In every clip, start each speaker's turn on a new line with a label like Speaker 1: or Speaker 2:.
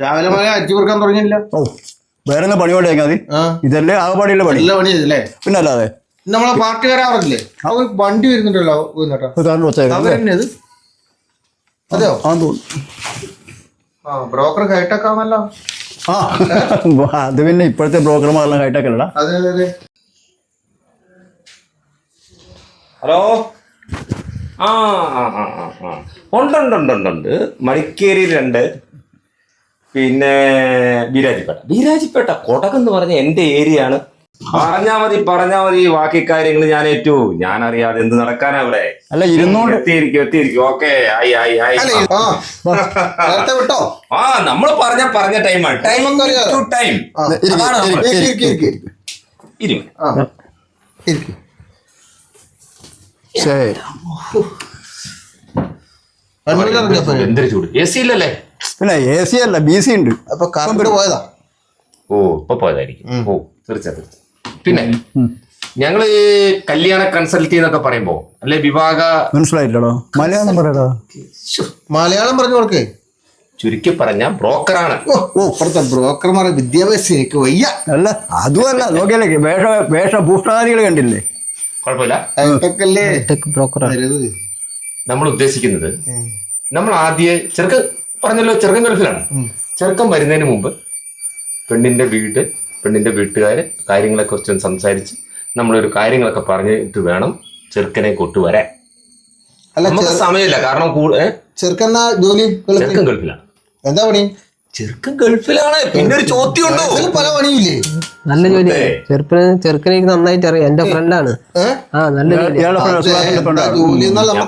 Speaker 1: രാവിലെ മുതലേ അരിച്ചു കൊടുക്കാൻ തുടങ്ങിയില്ല.
Speaker 2: ഓ വേറെ എന്താ പണി പണിയാ മതി. ഇതല്ലേ ആ പണിയുള്ള പണി.
Speaker 1: നല്ല പണിയല്ലേ?
Speaker 2: പിന്നെ അല്ലാതെ
Speaker 1: നമ്മളെ പാർട്ടി വരാറില്ലേ? അവ വണ്ടി വരുന്നുണ്ടല്ലോ. അവരെന്നത് അതെയോ?
Speaker 2: ആ തോന്നുന്നു.
Speaker 1: ബ്രോക്കർ ഹൈടെക് ആണല്ലോ.
Speaker 2: ആ അത് പിന്നെ ഇപ്പോഴത്തെ ബ്രോക്കർമാരെല്ലാം ഹൈടെക് അല്ലടാ.
Speaker 1: അതെ അതെ അതെ.
Speaker 3: ഹലോ. ആ ഉണ്ട്. മടിക്കേരി 2, പിന്നെ ബീരാജിപ്പേട്ട കൊടക് എന്ന് പറഞ്ഞ എന്റെ ഏരിയ ആണ്. പറഞ്ഞാ മതി ബാക്കി കാര്യങ്ങൾ ഞാൻ ഏറ്റു. ഞാൻ അറിയാതെ എന്ത് നടക്കാനാ ഇവിടെ.
Speaker 2: അല്ല ഇരുന്നോണ്ട്
Speaker 3: എത്തിയിരിക്കും. ഓക്കെ
Speaker 1: വിട്ടോ.
Speaker 3: ആ നമ്മൾ പറഞ്ഞ ടൈമാണ്. ടൈം എന്തൊരു ചൂട്. എ സി ഇല്ലല്ലേ?
Speaker 2: പിന്നെ എ സി അല്ല BC ഉണ്ട്.
Speaker 1: അപ്പൊ കറണ്ട് പോയതാ.
Speaker 3: ഓ ഇപ്പൊ പോയതായിരിക്കും. ഓ തീർച്ചയായും. പിന്നെ ഞങ്ങള് കല്യാണ കൺസൾട്ടി എന്നൊക്കെ പറയുമ്പോ അല്ലെ വിവാഹ
Speaker 2: മനസ്സിലായില്ലടോ. മലയാളം പറയടാ.
Speaker 1: മലയാളം പറഞ്ഞു കൊടുക്കേ.
Speaker 3: ചുരുക്കി പറഞ്ഞ ബ്രോക്കറാണ്.
Speaker 1: ഓ ഇപ്പഴത്തെ ബ്രോക്കർമാരെ വിദ്യാഭ്യാസം എനിക്ക് വയ്യ.
Speaker 2: അല്ല അതുമല്ല നോക്കിയാലേ വേഷഭൂഷാദികൾ കണ്ടില്ലേ?
Speaker 3: കുഴപ്പമില്ല. നമ്മൾ ഉദ്ദേശിക്കുന്നത് നമ്മൾ ആദ്യം ചെറുക്കൻ ഗൾഫിലാണ്. ചെറുക്കൻ വരുന്നതിന് മുമ്പ് പെണ്ണിന്റെ വീട്ടുകാര് കാര്യങ്ങളെ കുറിച്ചൊന്ന് സംസാരിച്ച് നമ്മളൊരു കാര്യങ്ങളൊക്കെ പറഞ്ഞിട്ട് വേണം ചെറുക്കനെ കൊണ്ടുവരാൻ. നമുക്ക് സമയമില്ല. കാരണം ചെറുക്കൻ ഗൾഫിലാണ്.
Speaker 1: എന്താ പണി?
Speaker 3: ചെറുക്കൻ ഗൾഫിലാണ്. പിന്നെ ഒരു ചോദ്യം ഉണ്ടോ?
Speaker 1: പല പണിയില്ലേ?
Speaker 4: നല്ല ജോലി. ചെറുക്കനെ നന്നായിട്ട് അറിയാം. എന്റെ ഫ്രണ്ടാണ്. നല്ല
Speaker 1: ജോലി.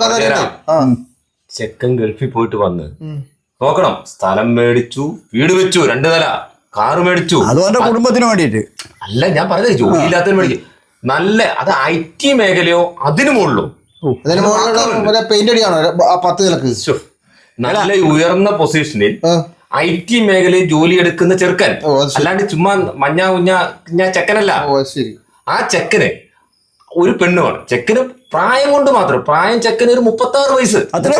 Speaker 3: ചെക്കൻ ഗൾഫിൽ പോയിട്ട് വന്ന് നോക്കണം. സ്ഥലം മേടിച്ചു, വീട് വെച്ചു, 2 നില കാറ് മേടിച്ചു.
Speaker 2: അതുകൊണ്ട് കുടുംബത്തിന് വേണ്ടിയിട്ട്
Speaker 3: അല്ല ഞാൻ പറഞ്ഞത്. ജോലി ഇല്ലാത്തതിന് മേടിക്കും. നല്ല അത് IT മേഖലയോ അതിനു മുകളിലോ
Speaker 1: പെയിന്റ് അടിയാണോ 10 നിലക്ക്?
Speaker 3: നല്ല ഉയർന്ന പൊസിഷനിൽ IT മേഖലയിൽ ജോലി എടുക്കുന്ന ചെറുക്കൻ. അല്ലാണ്ട് ചുമ്മാ മഞ്ഞ ചെക്കനല്ല. ആ ചെക്കന് ഒരു പെണ്ണുമാണ്. ചെക്കന് പ്രായം കൊണ്ട് മാത്രം. ചെക്കന് ഒരു 36 വയസ്സ്.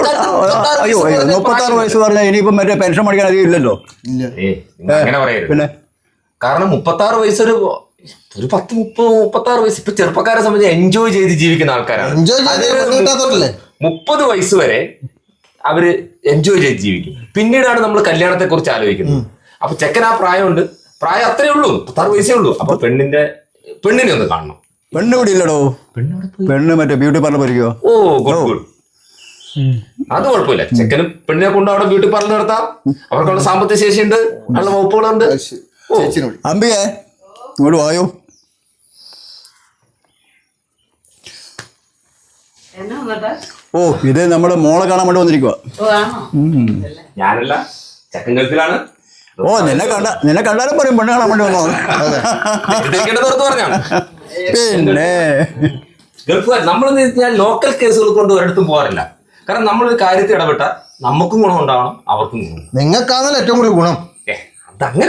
Speaker 2: 36 വയസ്സ് പറഞ്ഞാൽ ഇനിയിപ്പം മറ്റേ പെൻഷൻ മേടിക്കാൻ അധികം ഇല്ലല്ലോ.
Speaker 3: അങ്ങനെ പറയരുത്. പിന്നെ കാരണം 36 വയസ്സ് ഒരു 10-36 വയസ്സ് ഇപ്പൊ ചെറുപ്പക്കാരെ സംബന്ധിച്ച് എൻജോയ് ചെയ്ത് ജീവിക്കുന്ന ആൾക്കാരാണ്. 30 വയസ്സ് വരെ അവര് എൻജോയ് ചെയ്ത് ജീവിക്കും. പിന്നീടാണ് നമ്മൾ കല്യാണത്തെ കുറിച്ച് ആലോചിക്കുന്നത്. അപ്പൊ ചെക്കൻ ആ പ്രായമുണ്ട്. പ്രായം അത്രേ ഉള്ളൂ, 36 വയസ്സേ ഉള്ളൂ. അപ്പൊ പെണ്ണിനെ ഒന്ന് കാണണം.
Speaker 2: പെണ്ണ് ഇവിടെ ഇല്ലടോ. പെണ്ണ് മറ്റേ ബ്യൂട്ടി പാർലർ പരിക്കോ.
Speaker 3: Oh good. അത് കുഴപ്പമില്ല. ചെക്കനും പെണ്ണിനെ കൊണ്ട് അവിടെ ബ്യൂട്ടി പാർലർ നടത്താം. അവർക്കുള്ള സാമ്പത്തിക ശേഷിയുണ്ട്, നല്ല വകുപ്പുകളുണ്ട്.
Speaker 2: അമ്പികേ ഇങ്ങോട്ട് വായോ. ഓ ഇത് നമ്മുടെ മോളെ കാണാൻ വേണ്ടി വന്നിരിക്കുക.
Speaker 3: ഞാനല്ല, ചെക്കൻ ഗൾഫിലാണ്.
Speaker 2: ഓ നിന്നെ കണ്ടാലും പറയും പെണ്ണ് കാണാൻ വേണ്ടി വന്നോ. പിന്നെ
Speaker 3: ഗൾഫുകാർ നമ്മളെന്ന് വെച്ചാൽ ലോക്കൽ കേസുകൾ കൊണ്ട് ഒരിടത്തും പോകാറില്ല. കാരണം നമ്മളൊരു കാര്യത്തിൽ ഇടപെട്ടാൽ നമുക്കും ഗുണം ഉണ്ടാവണം, അവർക്കും ഗുണം.
Speaker 1: നിങ്ങൾക്കാണല്ലോ ഏറ്റവും കൂടുതൽ ഗുണം.
Speaker 3: അതങ്ങനെ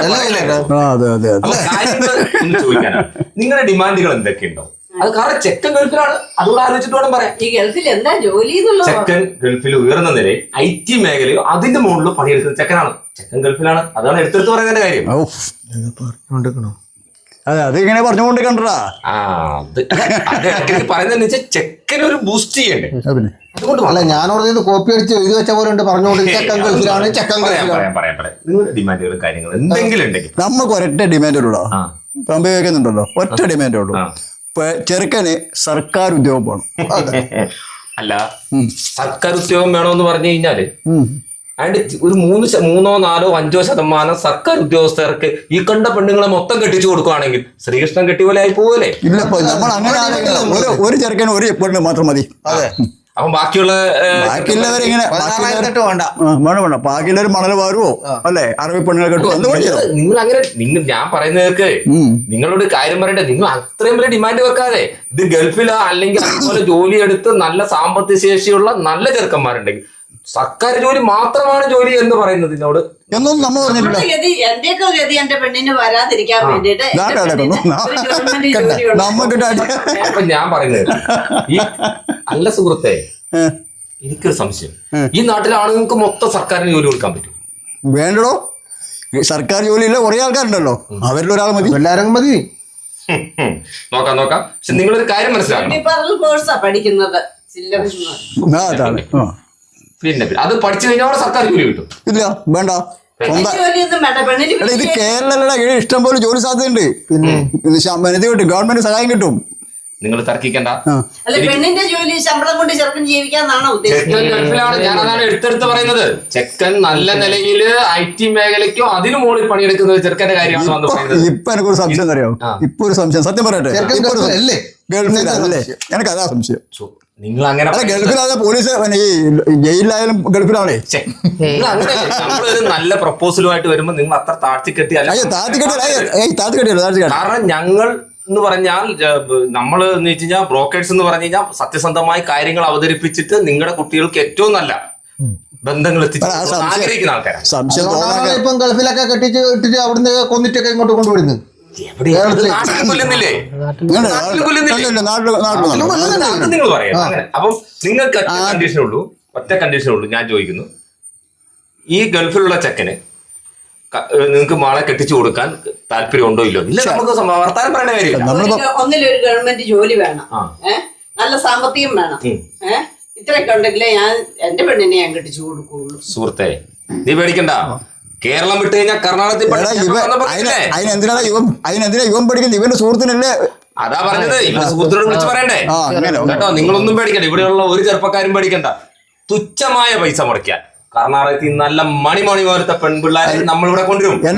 Speaker 3: ചോദിക്കാനാണ്. നിങ്ങളുടെ ഡിമാൻഡുകൾ എന്തൊക്കെയുണ്ടോ? അത് കാരണം ചെക്കൻ ഗൾഫിലാണ്. അതുകൂടെ ആലോചിച്ചിട്ട് വേണം പറയാം.
Speaker 5: ഈ ഗൾഫിൽ എന്താ ജോലി?
Speaker 3: ചെക്കൻ ഗൾഫിൽ ഉയർന്ന നിലയിൽ IT മേഖലയോ അതിന്റെ മുകളിൽ പണിയെടുക്കുന്ന ചെക്കനാണ്. ചെക്കൻ ഗൾഫിലാണ്. അതാണ് എടുത്തെടുത്ത് പറയുന്നതിന്റെ കാര്യം.
Speaker 2: അതെ അതിങ്ങനെ പറഞ്ഞുകൊണ്ട് കണ്ടടാ.
Speaker 3: പറയുന്നതെന്ന് വെച്ചാൽ ചെക്കൻ ഒരു ബൂസ്റ്റ് ചെയ്യണ്ടേ.
Speaker 1: അതുകൊണ്ട് അല്ല ഞാനോട് കോപ്പി അടിച്ച് എഴുതി വെച്ച പോലെ ഉണ്ട് പറഞ്ഞുകൊണ്ട് ചെക്കൻ ഗൾഫിലാണ്.
Speaker 3: പറയാം. നിങ്ങളുടെ ഡിമാൻഡുകളും കാര്യങ്ങളും എന്തെങ്കിലും ഉണ്ടെങ്കിൽ
Speaker 2: നമുക്ക് ഒരൊറ്റ ഡിമാൻഡ് ഉള്ളൂ. പമ്പ വെക്കുന്നുണ്ടല്ലോ, ഒറ്റ ഡിമാൻഡേ ഉള്ളൂ. ചെറുക്കന് സർക്കാർ ഉദ്യോഗം വേണം.
Speaker 3: അല്ല സർക്കാർ ഉദ്യോഗം വേണമെന്ന് പറഞ്ഞു കഴിഞ്ഞാല് അതിന്റെ ഒരു 3-4-5% സർക്കാർ ഉദ്യോഗസ്ഥർക്ക് ഈ കണ്ട പെണ്ണുങ്ങളെ മൊത്തം കെട്ടിച്ചു കൊടുക്കുകയാണെങ്കിൽ ശ്രീകൃഷ്ണൻ കെട്ടി പോലെ ആയി പോവല്ലേ?
Speaker 2: ഇല്ല നമ്മൾ അങ്ങനെ ഒരു ചെറുക്കന് ഒരു പെണ്ണ് മാത്രം മതി.
Speaker 3: അതെ. അപ്പം
Speaker 2: ബാക്കിയുള്ളവരിങ്ങനെ വേണ്ട ബാക്കിയുള്ളവർ മണൽ വാരുവോ അല്ലെ അറബി പെണ്ണുകളെ കെട്ടുവോ.
Speaker 3: നിങ്ങൾ അങ്ങനെ ഞാൻ പറയുന്നവർക്ക് നിങ്ങളോട് കാര്യം പറയട്ടെ. നിങ്ങൾ അത്രയും വലിയ ഡിമാൻഡ് വെക്കാതെ ഇത് ഗൾഫിലോ അല്ലെങ്കിൽ അതുപോലെ ജോലി എടുത്ത് നല്ല സാമ്പത്തിക ശേഷിയുള്ള നല്ല ചെറുക്കന്മാരുണ്ടെങ്കിൽ സർക്കാർ ജോലി മാത്രമാണ് ജോലി എന്ന് പറയുന്നതിനോട്
Speaker 2: എന്നൊന്നും നമ്മൾ പറഞ്ഞിട്ടില്ല.
Speaker 5: എന്റെയൊക്കെ ഗതി എന്റെ പെണ്ണിന് വരാതിരിക്കാൻ വേണ്ടിട്ട്
Speaker 3: ഞാൻ പറയുന്നത് ഈ അല്ല സുഹൃത്തെ, എനിക്കൊരു സംശയം. ഈ നാട്ടിലെ ആളുകൾക്ക് മൊത്തം സർക്കാരിന് ജോലി കൊടുക്കാൻ പറ്റും?
Speaker 2: വേണ്ടടോ. സർക്കാർ ജോലിയില്ല കുറെ ആൾക്കാരുണ്ടല്ലോ, അവരിൽ ഒരാൾ മതി.
Speaker 1: എല്ലാരും മതി.
Speaker 3: നോക്കാം. പക്ഷെ നിങ്ങളൊരു കാര്യം മനസ്സിലാക്കണം,
Speaker 5: കോഴ്സാ പഠിക്കുന്നത്
Speaker 2: അതാണ്.
Speaker 3: പിന്നെ അത് പഠിച്ചു കഴിഞ്ഞാൽ സർക്കാർ ജോലി കിട്ടും.
Speaker 2: ഇല്ല വേണ്ട,
Speaker 5: ജോലിയൊന്നും വേണ്ട പെണ്ണിന്.
Speaker 2: ഇത് കേരളത്തിലുള്ള ഇഷ്ടം പോലെ ജോലി സാധ്യതയുണ്ട്. ഇത് കിട്ടും, ഗവൺമെന്റ് സഹായം കിട്ടും.
Speaker 3: നിങ്ങൾ തർക്കിക്കണ്ട.
Speaker 5: അല്ല, പെണ്ണിന്റെ ജോലി ശമ്പളം കൊണ്ട് ചെറുക്കൻ ജീവിക്കാന്നാണോ
Speaker 3: ചെക്കൻ
Speaker 5: ഉദ്ദേശിക്കുന്നത്?
Speaker 3: ഗൾഫിലാണ്, ഞാനതാണ് എടുത്തെടുത്ത് പറയുന്നത്. ചെക്കൻ നല്ല നിലയില് IT മേഖലയ്ക്കോ അതിനു മുകളിൽ പണിയെടുക്കുന്ന ചെറുക്കന്റെ കാര്യമാണ് വന്ന് പറയുന്നത്.
Speaker 2: ഇപ്പൊ എനിക്കൊരു സംശയം അറിയാം, ഇപ്പൊ ഒരു സംശയം സത്യം പറയട്ടെ,
Speaker 1: അല്ലേ
Speaker 2: ഗൾഫിലല്ലേ? എനിക്ക് അതാ സംശയം.
Speaker 3: നിങ്ങൾ അങ്ങനെ
Speaker 2: അല്ല, ഗൾഫിലാതെ പോലീസ് ഈ ജയിലിലായാലും ഗൾഫിലാണേ.
Speaker 3: നമ്മളൊരു നല്ല പ്രപ്പോസലുമായിട്ട് വരുമ്പോ നിങ്ങൾ അത്ര താഴ്ത്തിക്കെട്ടിയല്ല. കാരണം ഞങ്ങൾ എന്ന് പറഞ്ഞാൽ നമ്മൾ എന്ന് വെച്ച് കഴിഞ്ഞാൽ ബ്രോക്കേഴ്സ് എന്ന് പറഞ്ഞു കഴിഞ്ഞാൽ സത്യസന്ധമായ കാര്യങ്ങൾ അവതരിപ്പിച്ചിട്ട് നിങ്ങളുടെ കുട്ടികൾക്ക് ഏറ്റവും നല്ല ബന്ധങ്ങൾ എത്തിച്ച് ആഗ്രഹിക്കുന്ന ആൾക്കാരാണ്.
Speaker 2: സംശയം
Speaker 1: ഇപ്പം ഗൾഫിലൊക്കെ കെട്ടിച്ച് ഇട്ടിട്ട് അവിടുന്ന് കൊന്നിട്ടൊക്കെ ഇങ്ങോട്ട് കൊണ്ടുവരുന്നത്.
Speaker 3: കൊല്ലുന്നില്ലേ? നിങ്ങൾ പറയാം അങ്ങനെ. അപ്പം നിങ്ങൾക്ക് ഒറ്റ കണ്ടീഷനുള്ളൂ. ഞാൻ ചോദിക്കുന്നു, ഈ ഗൾഫിലുള്ള ചെക്കന് നിങ്ങൾക്ക് മാളെ കെട്ടിച്ചു കൊടുക്കാൻ താല്പര്യം ഉണ്ടോ ഇല്ലോ? ഇല്ല, നമുക്ക് വർത്താനം പറയേണ്ട കാര്യമില്ല.
Speaker 5: ഒന്നിലൊരു ഗവൺമെന്റ് ജോലി വേണം, നല്ല സാമ്പത്തികം വേണം, ഇത്രയൊക്കെ ഉണ്ടെങ്കിലേ ഞാൻ എന്റെ പെണ്ണിനെ ഞാൻ കെട്ടിച്ചു കൊടുക്കുള്ളൂ.
Speaker 3: സുഹൃത്തെ, നീ പേടിക്കണ്ട. കേരളം വിട്ട് കഴിഞ്ഞാൽ കർണാടകത്തിൽ
Speaker 2: അതിനെന്തിനാ ഇവൻ പഠിക്കുന്നത്? ഇവന്റെ സുഹൃത്തിനല്ലേ?
Speaker 3: അതാ പറഞ്ഞത്, ഇവന്റെ സുഹൃത്തിനോട് വിളിച്ച് പറയണ്ടേ കേട്ടോ. നിങ്ങളൊന്നും പേടിക്കണ്ട, ഇവിടെയുള്ള ഒരു ചെറുപ്പക്കാരും പേടിക്കണ്ട. തുച്ഛമായ പൈസ മുടക്കാൻ കർണാടകത്തിൽ നല്ല മണി പോലത്തെ പെൺപിള്ളേരെ നമ്മളിവിടെ കൊണ്ടുവരും.
Speaker 2: എന്റെ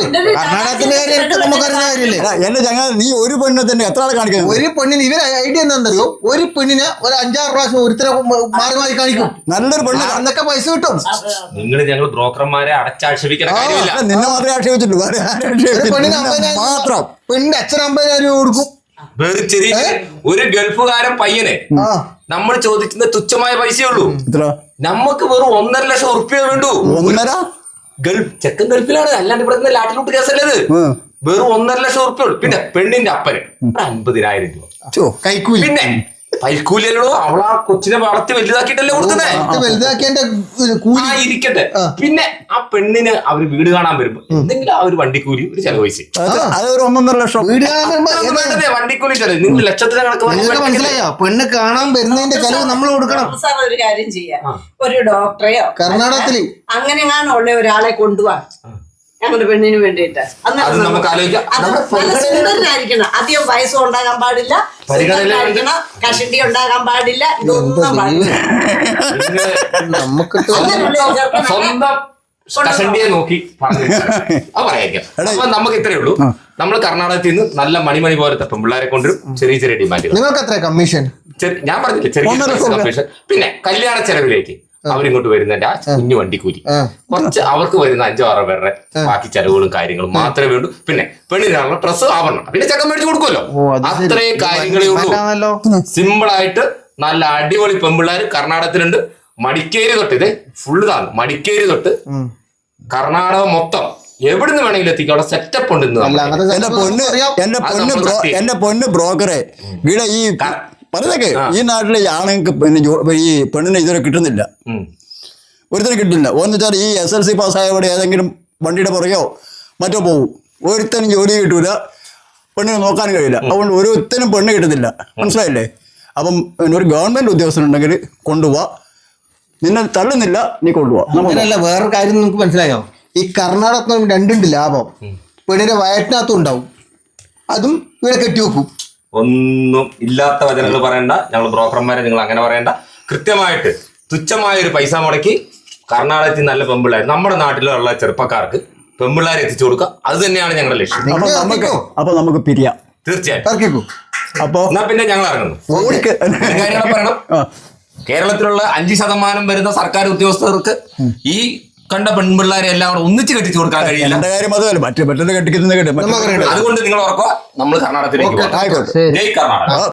Speaker 2: ചങ്ങാ, നീ ഒരു പെണ്ണിനെ തന്നെ എത്ര ആളെ കാണിക്കുന്നത്?
Speaker 1: ഒരു പെണ്ണിന് ഇവര് ഐഡിയ എന്താണെന്നറിയോ? ഒരു പെണ്ണിനെ ഒരു 5-6 പ്രാവശ്യം ഒരുത്തരെ മാറി കാണിക്കും.
Speaker 2: നല്ലൊരു പെണ്ണ്
Speaker 1: അന്നൊക്കെ പൈസ കിട്ടും.
Speaker 3: ഞങ്ങൾ ബ്രോക്കർമാരെ അടച്ചാക്ഷേപിക്കാൻ കാര്യമില്ല.
Speaker 2: നിന്നെ മാത്രമേ ആക്ഷേപിച്ചിട്ടുള്ളൂ,
Speaker 1: പെണ്ണിന് 50,000 മാത്രം. പെണ്ണിന്റെ അച്ഛൻ 50,000 രൂപ കൊടുക്കും.
Speaker 3: ഒരു ഗൾഫുകാരൻ പയ്യനെ നമ്മൾ ചോദിക്കുന്ന തുച്ഛമായ പൈസയേ ഉള്ളൂ. നമുക്ക് വെറും 1.5 ലക്ഷം ഉറുപ്പിക വേണ്ടു. ചെക്കൻ ഗൾഫിലാണ്, അല്ലാണ്ട് ഇവിടെ ലാട്ടിലൂട്ട് കേസല്ലത്. വെറും 1.5 ലക്ഷം ഉറുപ്പിക ഉള്ളൂ. പിന്നെ പെണ്ണിന്റെ അപ്പന് 50,000 രൂപ
Speaker 1: കൈക്കൂലി. പിന്നെ
Speaker 3: പൈക്കൂലിയല്ലോ, അവളാ കൊച്ചിനെ വളർത്തി വലുതാക്കിയിട്ടല്ലേ കൊടുക്കുന്നത്. ഇരിക്കട്ടെ. പിന്നെ ആ പെണ്ണിന് അവര് വീട് കാണാൻ വരുമ്പോ എന്തെങ്കിലും ആ ഒരു വണ്ടിക്കൂലി ഒരു ചെലവ് പൈസ,
Speaker 2: അതൊരു 1.5 ലക്ഷം
Speaker 1: വീട് കാണാൻ
Speaker 3: വണ്ടിക്കൂലി ചെലവ്. നിങ്ങൾ ലക്ഷത്തിന് കണക്ക്
Speaker 1: മനസ്സിലായോ? പെണ്ണ് കാണാൻ വരുന്നതിന്റെ ചെലവ് നമ്മൾ കൊടുക്കണം.
Speaker 5: സാർ ഒരു കാര്യം ചെയ്യാം, ഒരു ഡോക്ടറെയോ
Speaker 1: കർണാടകത്തില്
Speaker 5: അങ്ങനെങ്ങാനും ഉള്ള ഒരാളെ കൊണ്ടുപോവാ ഞങ്ങളുടെ പെണ്ണിന് വേണ്ടിയിട്ട്. സുന്ദരനായിരിക്കണം, അധികം വയസ്സും ഉണ്ടാകാൻ പാടില്ല, സുന്ദരനായിരിക്കണം, കഷണ്ടി ഉണ്ടാകാൻ പാടില്ല, ഇതൊന്നും പാടില്ല.
Speaker 1: നമുക്ക്
Speaker 3: സ്വന്തം കഷണ്ടിയെ നോക്കി പറയാം. അപ്പൊ നമുക്ക് ഇത്രയേ ഉള്ളൂ. നമ്മൾ കർണാടകത്തിൽ നിന്ന് നല്ല മണി പോലത്തെ പെൺപിള്ളേരെ കൊണ്ടുവരും. ചെറിയ ഡിമാൻഡ്.
Speaker 1: നിങ്ങൾക്ക് എത്ര കമ്മീഷൻ?
Speaker 3: ഞാൻ പറഞ്ഞില്ലേ, ചെറിയ കമ്മീഷൻ. പിന്നെ കല്യാണ ചെലവിലേക്ക് അവരിങ്ങോട്ട് വരുന്നതിന്റെ ആ കുഞ്ഞു വണ്ടിക്കൂലി, കുറച്ച് അവർക്ക് വരുന്ന 5-6 പേരുടെ ബാക്കി ചെലവുകളും കാര്യങ്ങളും മാത്രമേ വേണ്ടൂ. പിന്നെ പെണ്ണിനുള്ള ഡ്രസ്സ്, ആവരണം, പിന്നെ ചെക്കൻ മേടിച്ച് കൊടുക്കുമല്ലോ. അത്രയും കാര്യങ്ങളേ ഉള്ളൂ. സിമ്പിൾ ആയിട്ട് നല്ല അടിപൊളി പെൺപിള്ളേർ കർണാടകത്തിലുണ്ട്. മടിക്കേരി തൊട്ട്, ഇത് ഫുള്ള് താന്ന് മടിക്കേരി തൊട്ട് കർണാടക മൊത്തം എവിടുന്ന് വേണമെങ്കിലും എത്തിക്കും. അവിടെ സെറ്റപ്പ് ഉണ്ട്.
Speaker 2: എന്റെ പൊന്ന് ബ്രോക്കറെ, ഇവിടെ ഈ പറഞ്ഞേക്ക്, ഈ നാട്ടിലെ ആണുങ്ങൾക്ക് ഈ പെണ്ണിനെ ഇതുവരെ കിട്ടുന്നില്ല, ഒരുത്തരം കിട്ടില്ല. ഒന്ന് വെച്ചാൽ ഈ SLC പാസ്സായവിടെ ഏതെങ്കിലും വണ്ടിയുടെ പുറകെയോ മറ്റോ പോകും. ഒരുത്തനും ജോലി കിട്ടൂല, പെണ്ണിനെ നോക്കാനും കഴിയില്ല. അതുകൊണ്ട് ഒരുത്തനും പെണ്ണ് കിട്ടുന്നില്ല. മനസ്സിലായില്ലേ? അപ്പം ഒരു ഗവൺമെന്റ് ഉദ്യോഗസ്ഥനുണ്ടെങ്കിൽ കൊണ്ടുപോവാ, നിന്നെ തള്ളുന്നില്ല, നീ കൊണ്ടുപോവാ.
Speaker 1: അങ്ങനെയല്ല, വേറൊരു കാര്യം നിങ്ങൾക്ക് മനസ്സിലായോ? ഈ കർണാടകത്തിൽ 2 ലാഭം. പെണ്ണിന്റെ വയറ്റിനകത്തും ഉണ്ടാവും, അതും ഇവിടെ കെട്ടിവെക്കും.
Speaker 3: ഒന്നും ഇല്ലാത്ത വചനങ്ങൾ പറയണ്ട. ഞങ്ങൾ ബ്രോക്കർമാരെ നിങ്ങൾ അങ്ങനെ പറയണ്ട. കൃത്യമായിട്ട് തുച്ഛമായ ഒരു പൈസ മുടക്കി കർണാടകത്തിൽ നല്ല പെമ്പിള്ളേർ നമ്മുടെ നാട്ടിലുള്ള ചെറുപ്പക്കാർക്ക് പെമ്പിള്ളേരെ എത്തിച്ചു കൊടുക്കുക. അത് തന്നെയാണ് ഞങ്ങളുടെ ലക്ഷ്യം.
Speaker 2: അപ്പൊ നമുക്ക് പിരിയാം.
Speaker 3: തീർച്ചയായിട്ടും. അപ്പൊ എന്നാ പിന്നെ ഞങ്ങൾ ഇറങ്ങുന്നു. കാര്യങ്ങൾ പറയണം. കേരളത്തിലുള്ള 5% വരുന്ന സർക്കാർ ഉദ്യോഗസ്ഥർക്ക് ഈ കണ്ട പെൺപിള്ളേരെ എല്ലാം കൂടെ ഒന്നിച്ച് കെട്ടിച്ചു കൊടുക്കാൻ കഴിയില്ല.
Speaker 2: മറ്റേ കെട്ടിക്കുന്നത്.
Speaker 3: അതുകൊണ്ട് നിങ്ങൾ ഓർക്കുക, നമ്മൾ കർണാടകത്തിലേക്ക്. ജയ് കർണാടക.